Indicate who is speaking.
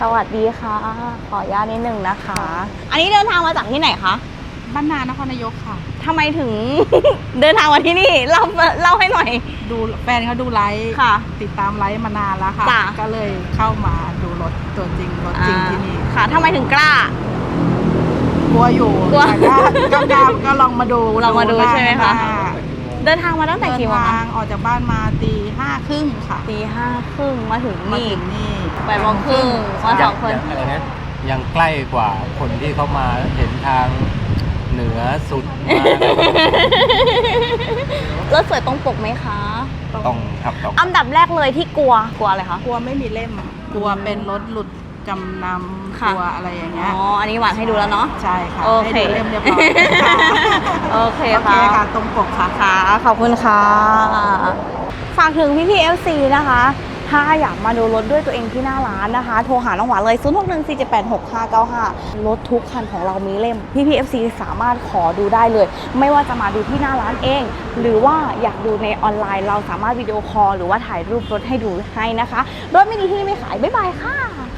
Speaker 1: สวัสดีค่ะขออนุญาตนิดนึงนะคะ อันนี้เดินทางมาจากที่ไหนคะ
Speaker 2: บ้านนานครนายกค่ะ
Speaker 1: ทำไมถึง เดินทางมาที่นี่เล่าให้หน่อย
Speaker 2: ดูแฟนเขาดูไลฟ์
Speaker 1: ค่ะ
Speaker 2: ติดตามไลฟ์มานานแล้วค่ะก็เลยเข้ามาดูรถตัวจริงรถจริงที่นี่
Speaker 1: ค่ะทำไมถึงกล้า
Speaker 2: กลัวอยู่
Speaker 1: กลัว
Speaker 2: ก็ลองมาดู
Speaker 1: ใช่ไหมคะเดินทางมาตั้งแต่กี่โมงคะ
Speaker 2: ออกจากบ้านมาตี 5:30ค่ะ
Speaker 1: ตี 5:30มาถึงนี่8:30มา2 คน
Speaker 3: อะไรนะยังใกล้กว่าคนที่เขามาเห็นทางเหนือสุดม
Speaker 1: ารถสวยตรงปกไหมคะ
Speaker 3: ต้องครับต้อง
Speaker 1: อันดับแรกเลยที่กลัวอะไรคะ
Speaker 2: กลัวไม่มีเล่มกลัวเป็นรถหลุดจำนำกลัวอะไรอย่างเงี้ย
Speaker 1: อันนี้หวานให้ดูแล้วเนาะ
Speaker 2: ใช่ค่ะ
Speaker 1: โอเค
Speaker 2: ให้ดูเล่มเรียบร้อย
Speaker 1: โอเคค่ะ
Speaker 2: ตรงปกค่ะ
Speaker 1: ขอบคุณค่ะฝากถึงพี่ FC นะคะถ้าอยากมาดูรถด้วยตัวเองที่หน้าร้านนะคะโทรหาน้องหวานเลย0614786595รถทุกคันของเรามีเล่มพี่ FC สามารถขอดูได้เลยไม่ว่าจะมาดูที่หน้าร้านเองหรือว่าอยากดูในออนไลน์เราสามารถวิดีโอคอลหรือว่าถ่ายรูปรถให้ดูให้นะคะรถไม่ดีที่ไม่ขายบ๊ายบายค่ะ